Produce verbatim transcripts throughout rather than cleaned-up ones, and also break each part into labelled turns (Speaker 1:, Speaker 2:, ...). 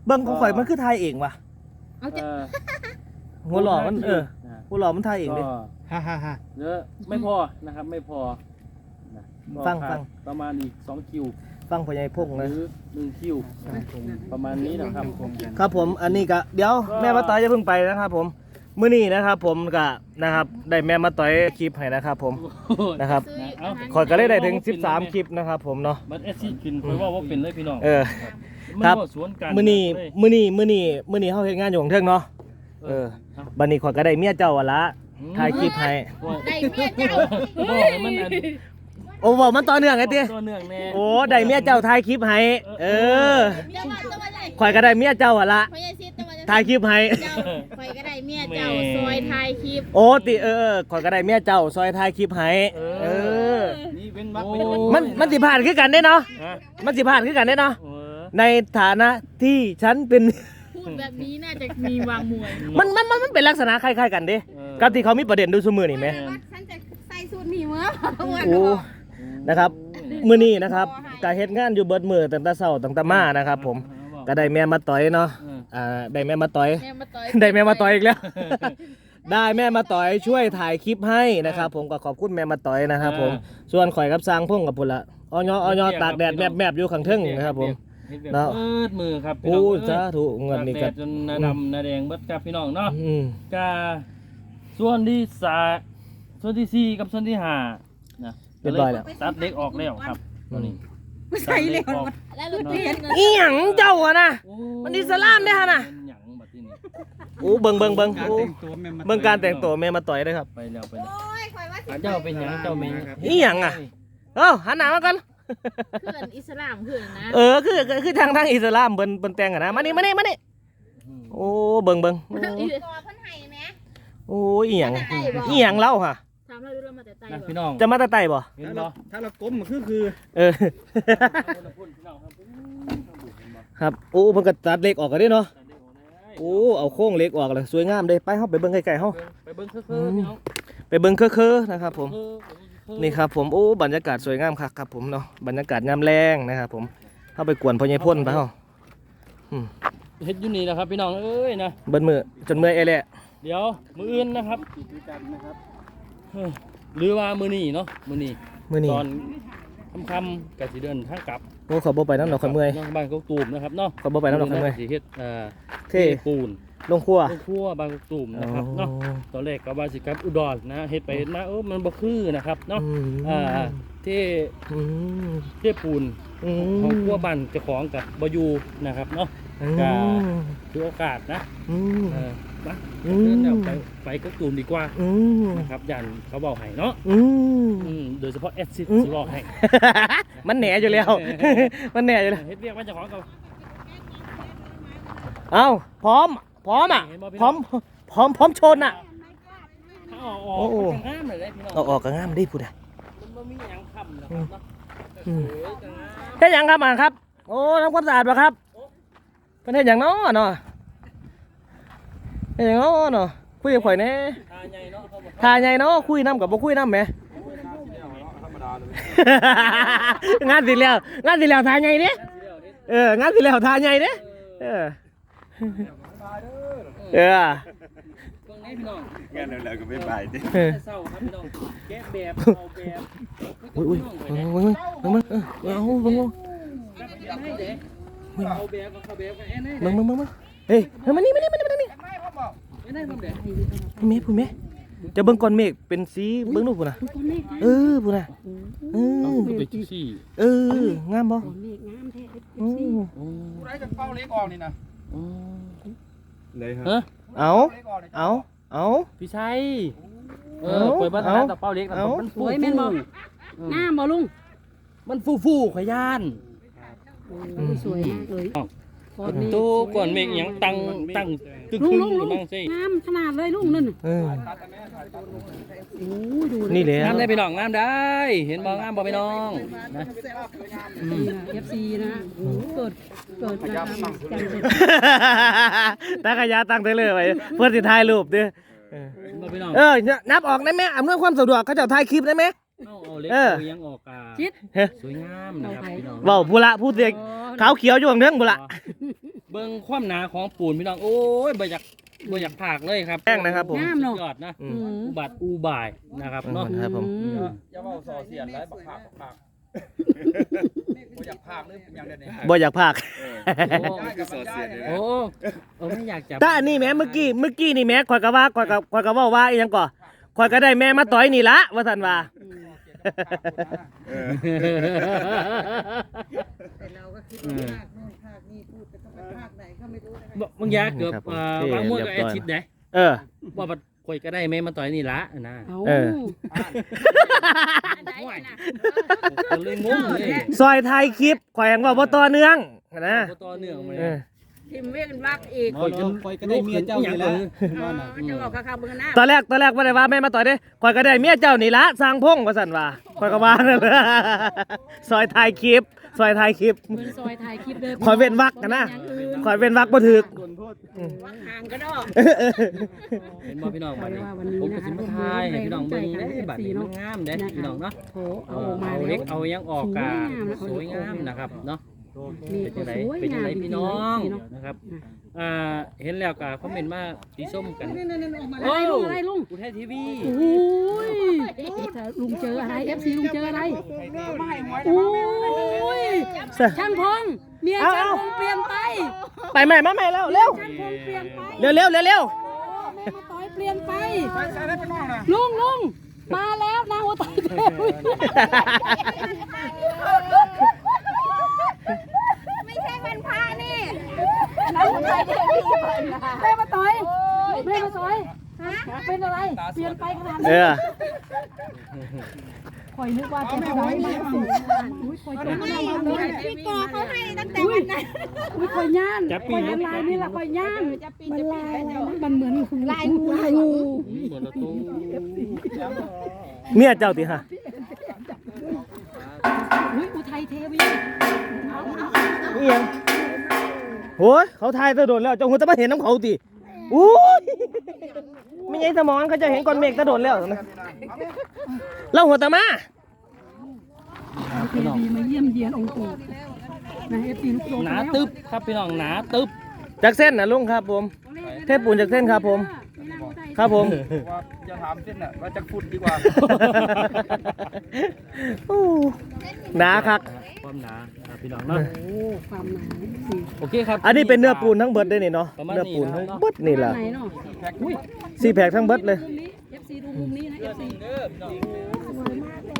Speaker 1: เบิ่งของข่อยมันคือทายเองว่ะ
Speaker 2: เอาจะ
Speaker 1: หัวหล่อมันเออหัวหล่อมันทายเองดิฮ่าฮ่าฮ่า
Speaker 3: เยอะไม่พอนะครับไม่พอนะ
Speaker 1: ฟังฟัง
Speaker 3: ประมาณอีกสองคิว
Speaker 1: ฟังพ่อใหญ่พง
Speaker 3: ห
Speaker 1: เลย
Speaker 3: รือหนึ่งคิวประมาณนี้นะครับ
Speaker 1: ครับผมอันนี้ก็เดี๋ยวแม่มาต่อยจะเพิ่งไปนะครับผมมื้อนี้นะครับผมก็นะครับได้แม่มาต่อยคลิปให้นะครับผมนะครับ
Speaker 3: เอา
Speaker 1: ข่อยก็ได้ได้ถึงสิบสามคลิปนะครับผมเนาะ
Speaker 3: บัตรเอสซีกินคอยว่าว่าเป็นเลยพี่น้อง
Speaker 1: เออ
Speaker 3: มัน
Speaker 1: ครับ
Speaker 3: ก็สวนกัน
Speaker 1: มื้อนี้
Speaker 3: เลย
Speaker 1: มื้อนี้มื้อนี้มื้อนี้เฮาเฮ็ดงานอยู่ของเทิงเนาะเออบัดนี้ข่อยก็ได้เมียเจ้าอะละถ่ายคลิปให้
Speaker 2: ได้เมียเจ้า
Speaker 3: บอกให้มันอัน
Speaker 1: โอ้บอกมันต่อเนื่องไงติ
Speaker 3: ตัวเนื่องแน่
Speaker 1: โอ้ได้เมียเจ้าถ่ายคลิปให้เออ
Speaker 2: เมียมาตัวไหน
Speaker 1: ข่อยก็ได้เมียเจ้าอะละ
Speaker 2: พ่อใหญ่ซิดตัวไหน
Speaker 1: ถ่ายคลิปให้
Speaker 2: เจ้าคอยก็ได้เมียเจ้าซอยถ่ายคลิป
Speaker 1: โอ้ติเออเออข่อยก็ได้เมียเจ้าซอยถ่ายคลิปให้เออ
Speaker 3: นี่เป็นมัก
Speaker 1: โอ้
Speaker 3: เป็น
Speaker 1: มันมันสิผ่านคือกันได้เนาะ
Speaker 3: ฮะ
Speaker 1: มันสิผ่านคือกันได้เนาะ
Speaker 3: เออ
Speaker 1: ในฐานะที่ฉันเป็น
Speaker 2: พูดแบบนี้น่าจะมีวางมวย
Speaker 1: มันมันมันมันเป็นลักษณะคล้ายๆกันเด้กับที่เขามีประเด็นดูสมือนี่ไหม
Speaker 2: ฉันจะใส่สูตรหนีเมื่อ
Speaker 1: โอ้นะครับมื้อนี้นะครับกาเฮ็ดงานอยู่เบิดมื้อตั้งแต่เช้าตั้งแต่มานะครับผมก็ได้แม่มาต่อยเนาะอ่าได้แม่มาต่อย
Speaker 2: แม่มาต่อย
Speaker 1: ได้แม่มาต่อยอีกแล้ว ได้แม่มาต่อยช่วยถ่ายคลิปให้นะครับผมก็ขอบคุณแม่มาต่อยนะครับผมส่วนข่อยกับสร้างพงกับพุ่นละอ้อยอ้อยตากแดดแมบๆอยู่ข้างเทิงนะครับผม
Speaker 3: เนาะเปิดมือครับพี่
Speaker 1: โอ้
Speaker 3: น้อง
Speaker 1: สาธุเงินนี่
Speaker 3: ก็
Speaker 1: ก็
Speaker 3: จนหนาดำหนาแดงเบิดครับพี่น้องเนาะ
Speaker 1: อืม
Speaker 3: กาส่วนที่สาส่วนที่สี่กับส่วนที่ห้านะ
Speaker 1: เรียบร้อยแล้ว
Speaker 3: ตัดเล็กออกแล้วครับตอนนี้
Speaker 2: ไม่ใส่เลยแล้วลูกเรียน
Speaker 1: อีหยังเจ้าอะนะ มันอิสลามเด้อฮะน่ะ
Speaker 3: หยังบัดนี้
Speaker 1: โอ้เบิ่งเบิ่งเบิ่งโอ้
Speaker 4: ตัวแม่มา
Speaker 1: เบิ่งการแต่งตัวแม่มาต่อยด้วยครับ
Speaker 3: ไปแล้วไปแล้ว
Speaker 2: โอ้ยคอยว่าสิ
Speaker 3: เจ้าเป็นหยังเจ้าเมย์
Speaker 1: อีหยังอะ เอ้าหันหน้ามากัน
Speaker 2: เพื่อนอิสลามเพื่อนนะ
Speaker 1: เออคือคือคือทางทางอิสลามเบิ่นเบิ่นแต่งอะนะมานี่มานี่มานี่โอ้เบิ่งเบิ่งโอ้
Speaker 2: ตัวเพิ่นให้ไหม
Speaker 1: โอ้อีหยังอีหยังเล่าฮะ
Speaker 2: ถามเราดูเรามาแต่ไต้
Speaker 3: นะ
Speaker 2: บ่
Speaker 3: พี่น้อง
Speaker 1: จะมาแตะไตบ่
Speaker 3: เห็น
Speaker 4: ถ้า
Speaker 3: บ่
Speaker 4: เราถ้าเราก้มมันคือคือ
Speaker 1: เออ ครับโอ้เพิ่นก็ตัดเหล็กออกกันเด้เนาะโอ้เอาโครงเหล็กออกเลยสวยงามเด้ไปเฮาไปเบิ่งไกลๆเฮา
Speaker 3: ไปเบิ้งเคือๆพี่น้อง
Speaker 1: ไปเบิ่งเคอะๆนะครับผม
Speaker 3: เคือๆ
Speaker 1: นี่ครับผมโอ้บรรยากาศสวยงามครับครับผมเนาะบรรยากาศยามแรงนะครับผมเข้าไปกวนพ่อใหญ่พ่นไปเฮาอืม
Speaker 3: เฮ็ดอยู่นี่นะครับพี่น้องเอ้ยนะ
Speaker 1: เบิ่นมือจนเมื่อยเอแหละ
Speaker 3: เดี๋ยวมืออื่นนะครับเฮ้ยหรือว่ามือนี่เนาะมือนี่
Speaker 1: มื้อนี้
Speaker 3: ตอนค่ำๆกะสิเดินทางกลับ
Speaker 1: โอ้ขอบ่ไปน้ำดอกข่อยเมื่อย
Speaker 3: เนาะบ้านกกตูมนะครับเนาะ
Speaker 1: ขอบ่ไปน้ำดอกข่อยเมื่อย
Speaker 3: สิเฮ็ดเอ่อ
Speaker 1: เท่
Speaker 3: ปูน
Speaker 1: ลงครัว
Speaker 3: ลงครัวบ้านกกตูมนะครับเนาะตอนแรกก็ว่าสิกลับอุดรนะเฮ็ดไปเฮ็ดมาเออมันบ่คือนะครับเนาะ
Speaker 1: อืม
Speaker 3: อ่าเท่
Speaker 1: อืม
Speaker 3: เท่ปูน
Speaker 1: อืม
Speaker 3: ของครัวบ้านเจ้าของกับบ่อยู่นะครับเนาะ
Speaker 1: อื
Speaker 3: ก็
Speaker 1: ม
Speaker 3: ถือโอกาสนะ
Speaker 1: อืม
Speaker 3: เออมา
Speaker 1: อืม
Speaker 3: เดินแนวไปไปกกตูมดีกว่า
Speaker 1: อืม
Speaker 3: นะครับยันเขาบอกให้เนาะ
Speaker 1: อืม
Speaker 3: อืมโดยเฉพาะแอดซิด
Speaker 1: อืม
Speaker 3: สิบอกให้
Speaker 1: มันแหน่อยู่แล้ว มันแหน่อยู่แล้ว
Speaker 3: เฮ็ดเรียกว่าเจ้าของกับ
Speaker 1: เอ้าพร้อมพร้อมอ่ะพร้อมพร้อมพร้อมชนอ่ะ
Speaker 3: ถ้าออกออก
Speaker 1: โอ้โห
Speaker 3: มันจะงามเลยได้พี่น้อง
Speaker 1: เอาออกก็งามดิพูดอ่ะ
Speaker 3: มันบ่มีหยังค้ำนะครับเนาะ
Speaker 1: อืม
Speaker 3: เออจะงาม
Speaker 1: แค่ยังครับอ่านครับ โอ้ทำความสะอาดป่ะครับเป็นเฮ็ดหยังเนาะเนาะเฮ็ดหยังเนาะเนาะคุยกับข่อยแหน่
Speaker 3: ทาใหญ่เนาะเขาบอก
Speaker 1: ทาใหญ่เนาะคุยน้ำกับบ่คุยน้ำแหม งานสิแล้วงานสิแล้วทาใหญ่เด้เอองานสิแล้วทาใหญ่เด้เออเออ
Speaker 3: เบิ่งให้พี่น้อง
Speaker 4: งานแล้วก็ไม่ไปดิ
Speaker 1: เออ
Speaker 3: เศร้าครับพี่น้องแกะแบบเอาแบบ
Speaker 1: อุ้ยอุ้ยเบิ่งเบิ่งเบิ่งเบิ่งเออเอาเบิ่งเบิ่ง
Speaker 3: ให้เด้เอาแบบกับเขาแบบกันแอนให้
Speaker 1: เบิ่งเบิ่งเบิ่งเฮ้ยเฮ้ยมานี่มานี่มานี่มานี่
Speaker 3: แอนให้ผมเด้
Speaker 1: พูดแม่พูดแม่จะเบิ่งก้อนเมฆเป็นสีเบิ่งดูพุ่นน่ะเออพุ่นน่ะเออ
Speaker 3: ไปซี่
Speaker 1: เอองามบ่อืม
Speaker 4: ผู้ใดจะเป้าเล็กออกนี่นะเลยครับ
Speaker 3: ฮะ
Speaker 1: เอาเอาเอา
Speaker 3: พี่ชัยเออเปิดบ้านร้านตะเป้าเล็กนะมันฟูแม่นบ่
Speaker 2: งามบ่ลุง
Speaker 3: มันฟูฟูขยาน
Speaker 2: สวยมากเลย
Speaker 3: ตู้ก่อนเมฆหยังตังตังตึก
Speaker 2: ลุง
Speaker 3: ขึ้น
Speaker 2: ลุง
Speaker 3: หรือ
Speaker 2: ลุง
Speaker 3: บ้างสิ
Speaker 2: งามขนาดเลยลุงนั่น
Speaker 1: เออ
Speaker 2: โอ้ยดู
Speaker 1: นี่แหละ
Speaker 3: งามได้พี่น้องงามได้ เห็นบ่งามบ่พี่น้องนะ
Speaker 2: เอฟซีนะโอ้เกิดเกิดนะครับจังเลย
Speaker 1: ตากระยาตั้งได้เลยไว้เพื่อสิถ่ายรูปเด้อเออ
Speaker 3: บ่พี่น้อง
Speaker 1: เออนับออกได้ไหมอำนวยความสะดวกเขาจะถ่ายคลิปได้ไหม
Speaker 3: เอาเอาเล็ก
Speaker 1: เออ
Speaker 3: ยังออกกา
Speaker 2: ชิด
Speaker 3: สวยงามนะครับพี่น้อง
Speaker 1: เว้าผู้ละผู้เด็กขาวเขียวอยู่ข้างเทิงผู้ละ
Speaker 3: เบิ่งความหนาของปูนพี่น้องโอ้ยบ่อยากบ่อยากผากเลยครับ
Speaker 1: แป้งนะครับผม
Speaker 2: งามเนาะ
Speaker 3: สุดยอดนะ
Speaker 1: อื
Speaker 2: อื
Speaker 1: ม
Speaker 2: ม
Speaker 3: อุบัติอุบายนะครับเนาะ
Speaker 1: ครับผม
Speaker 2: อืม
Speaker 4: อย่าเว้าส่อเสียดแล้วบักภาคบักภาคบ่อยากภาคหรืออย่างเดียวนี่
Speaker 1: บ่อยากพาก
Speaker 4: ได้กับมันได้เลย
Speaker 3: โอ้โอ้ไม่อยากจับ
Speaker 1: แต่อันนี้แม่เมื่อกี้เมื่อกี้นี่แม่ข่อยก็ว่าข่อยก็ข่อยก็เว้าว่าอีหยังก่อข่อยก็ได้แม่มาต่อยนี่ละว่าซั่นว่า
Speaker 5: แต่เราก็คิดว่าภาคโน่นภาคนี่พูดแต่ต้องไปภาคไหนก็ไม่รู้นะคะ
Speaker 3: บางอย่างเกือบ
Speaker 1: ครับผม
Speaker 3: อ่า
Speaker 1: โอเค
Speaker 3: บางม้วนก็
Speaker 1: เรี
Speaker 3: แอย
Speaker 1: บร้อย
Speaker 3: ชิดเด้
Speaker 1: เออ
Speaker 3: ว่าบัดข่อยก็ได้แม่มาต่อยนี่ละนะ
Speaker 2: เอา
Speaker 1: เออ
Speaker 3: ห่วยก็เลยงงเลย
Speaker 1: ซอยถ่ายคลิปข่อยยังว่าบ่ต่อเนื่องนะ
Speaker 3: บ่ต่อเนื่องมา
Speaker 1: เอ
Speaker 3: เลย
Speaker 1: อ
Speaker 5: ทิมเว้นวักอีก
Speaker 3: ข่อยก็ข่อยก็ได้เมียเจ้านี่ละ
Speaker 5: จะบอกข้าวเบื้องหน้า
Speaker 1: ตอนแรกตอนแรกบ่ได้ว่าแม่มาต่อยเด้ข่อยก็ได้เมียเจ้านี่ละสร้างพงว่าซั่นว่าข่อยก็ว่านั่นแหละซอยถ่ายคลิปซอยถ่ายคลิป
Speaker 2: เพิ่นซอยถ่ายคลิปเด้อ
Speaker 1: ขอเว้นวรรคกันนะ ข่อยเว้นวรรคบ่ถูก
Speaker 5: วักห่างก็ดอก
Speaker 3: เห็นบ่พี่น้องบัดนี้
Speaker 2: ว่าวันนี้
Speaker 3: ผมก็
Speaker 2: นะคะ
Speaker 3: สิมาทายให้พี่น้องเบิ่ง
Speaker 2: ร่วม
Speaker 3: ได้
Speaker 2: ใจกัน
Speaker 3: บัดนี้มันงามเด้พี่น้องเนาะ
Speaker 2: โถ
Speaker 3: เอ
Speaker 2: เอา
Speaker 3: อ
Speaker 2: ออกมา
Speaker 3: เอา
Speaker 2: แล้
Speaker 3: เล็
Speaker 2: ว
Speaker 3: กเอายังออกกาส
Speaker 2: ส
Speaker 3: ว
Speaker 2: วย ย
Speaker 3: งาง
Speaker 2: าม ม
Speaker 3: นะครับเนาะ
Speaker 2: นี่
Speaker 3: เป็น
Speaker 2: ก็
Speaker 3: จังได
Speaker 2: สวย
Speaker 3: เป็นจัง
Speaker 2: งาม
Speaker 3: ได
Speaker 2: จริ
Speaker 3: พี่
Speaker 2: ง
Speaker 3: น้อง
Speaker 2: ๆเนาะ
Speaker 3: นะครับอ่าเห็นแล้วก็คอมเมนต์มาสีส้มกัน
Speaker 2: อะไรลุงอะไรลุง
Speaker 3: กูไทยทีวี
Speaker 2: โอ้ยลุงเจออะไร เอฟ ซี ลุงเจออะไรโอ้ยช่างพงเมียช่างพงเปลี่ยนไป
Speaker 1: ไปแม่มาแม่แล้วเร็ว
Speaker 2: ช่างพงเปลี่ยนไป
Speaker 1: เร็วเร็วเร็วเร็ว
Speaker 2: แม่มาต่อยเปลี่ยนไป
Speaker 4: ใส่ใส่ได้ไปนอกนะ
Speaker 2: ลุงลุงมาแล้วนางหัวตายเทวี
Speaker 5: ไม่ใช่วันพระนี่
Speaker 2: นางหัวตายเทวีแม่มาต่อยแม่มาต่อยเป็นอะไร เปลี่ยนไปขนาด
Speaker 1: เอ
Speaker 2: นี้
Speaker 1: อ
Speaker 2: คอยนึกว่าจะทำให้มาอุ้ยคอยจะทำให้มาเลย
Speaker 5: พี่กอเขาให้ตั้งแต่วันนั้น
Speaker 2: อุ้ยคอยย่านคอยลายนี่แหละคอยย่านมันลายอะไรนะมันเหมือนลายงูลายงู
Speaker 3: เหมือนเราตู้
Speaker 1: เมียเจ้าติฮะ
Speaker 2: อุ้ยอุทัยเทวี
Speaker 1: นี่ยังโอ้ยเขาทายตะโดนแล้วเจ้าหัวตะมาเห็นน้ำเขาติอู้ยไม่ใช่สมอนเขาจะเห็นก้อนเมฆตะโดนแล้วนะเล่าหัวตะมา
Speaker 2: เทวีมาเยี่ยมเยียนองค์ปู่นะเอฟซีลูกโล
Speaker 3: หนาตึ๊บครับพี่น้องหนาตึ๊บ
Speaker 1: จากเส้นนะลุงครับผม เทพปูนจากเส้นครับผม ครับผม
Speaker 4: ว่าจะถามเส้นน่ะว่าจะฟุตดีกว่า
Speaker 1: อู้หนาคัก
Speaker 3: ความหนาครับพี่น้องเนาะ
Speaker 2: โอ้ความหนาสิ
Speaker 3: โอเคครับ
Speaker 1: อันนี้เป็นเนื้อปูนทั้งเบิดได้นี่เนาะ
Speaker 3: ประมาณ
Speaker 1: เนื้อปูน
Speaker 3: นี้
Speaker 1: ทั้ง
Speaker 3: นะ
Speaker 1: เบิดนี่แหละ
Speaker 2: ไหนเนาะ
Speaker 3: อุ้ย
Speaker 1: สี่แผกทั้งเบิดเลย
Speaker 2: มุมนี้ เอฟ ซี ดูมุมนี้นะ เอฟ ซี
Speaker 3: เด้อพี่น้อง
Speaker 2: สวยมากเลย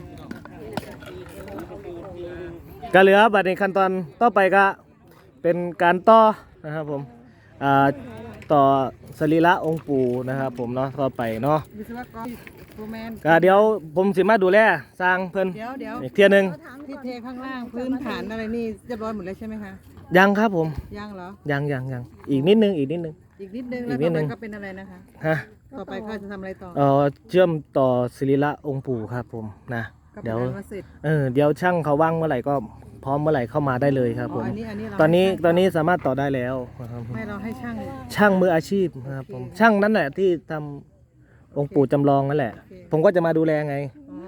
Speaker 1: ก็เหลือบัดในขั้นตอนต่อไปก็เป็นการต่อนะครับผมอ่าต่อสรีระองค์ปู่นะครับผมเนาะต่อไปเนาะ
Speaker 5: วิศวกรโรแมน
Speaker 1: ก็เดี๋ยวผมสิมาดูแลสร้างเพิ่น
Speaker 5: เดี๋ยวเดี๋ยว
Speaker 1: อีกเที่ยหนึง
Speaker 5: ที่เทข้างล่างพื้นฐานอะไรนี่เรียบร้อยหมดแล้วใช่ไหมคะ
Speaker 1: ยังครับผม
Speaker 5: ยังเหรอ
Speaker 1: ยังยังยังอีกนิดนึงอีกนิดนึง
Speaker 5: อีกนิดนึง
Speaker 1: อี
Speaker 5: แล้ว
Speaker 1: กนิ
Speaker 5: ต่
Speaker 1: ด
Speaker 5: อ
Speaker 1: นึ
Speaker 5: ไป
Speaker 1: ง
Speaker 5: ก็เป็นอะไรนะคะ
Speaker 1: ฮะ
Speaker 5: ต่อไปก็จะทำอะไรต่อ
Speaker 1: เอ่อเชื่อมต่อสรีระองค์ปู่ครับผมนะ
Speaker 5: ก็เป็
Speaker 1: เดี๋
Speaker 5: น
Speaker 1: ยว
Speaker 5: อันว่าเสร็จ
Speaker 1: เออเดี๋ยวช่างเขาว่างเมื่อไหร่ก็พร้อมเมื่อไหร่เข้ามาได้เลยครับ
Speaker 5: อ๋
Speaker 1: ผ
Speaker 5: อ
Speaker 1: ม
Speaker 5: อันนี้อันนี้เรา
Speaker 1: ตอนนี้
Speaker 5: ให้ช่าง
Speaker 1: ตอนนี้สามารถต่อได้แล้วนะครับ
Speaker 5: ไม่เราให้ช่าง
Speaker 1: ช่างมืออาชีพนะครับผมช่างนั่นแหละที่ทำองค์ปู่จำลองนั่นแหละ ผมก็จะมาดูแลไง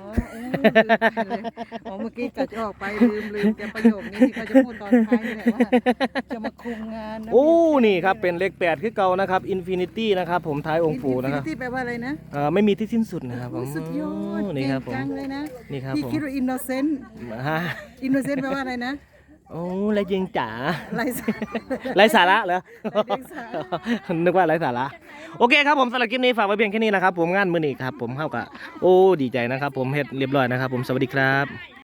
Speaker 5: อ๋อโอ้ลืมไปเลยอ๋อเมื่อกี้กัดออกไปลืมลืมแกประโยคนี้ที่เขาจะพูดตอนท้ายนี่แหละว่าจะมาคุมงานนะ
Speaker 1: โอ้นี่ครับเป็นเลขแปดคือเก่านะครับอินฟินิตี้นะครับผมท้ายองค์ปู่นะครับ
Speaker 5: ที่แปลว่าอะไรนะ
Speaker 1: เอ่อไม่มีที่สิ้นสุดนะครับผม
Speaker 5: สุดยอด
Speaker 1: นี่ครับผม
Speaker 5: เก่งจังเลยนะ
Speaker 1: นี่ครับ
Speaker 5: พี่
Speaker 1: ผม
Speaker 5: คิดว่าอินโนเซนต์
Speaker 1: ฮะ
Speaker 5: อินโนเซนต์แปลว่าอะไรนะ
Speaker 1: โอ้ไรจริงจ๋า
Speaker 5: ไรสา
Speaker 1: ไรสาระเหรอ
Speaker 5: ไร้สาระ
Speaker 1: นึกว่าไรสาระโอเคครับผมสำหรับคลิปนี้ฝากไว้เพียงแค่นี้นะครับผมงานมื้อนี้ครับผมเข้ากับโอ้ดีใจนะครับผมเฮ็ดเรียบร้อยนะครับผมสวัสดีครับ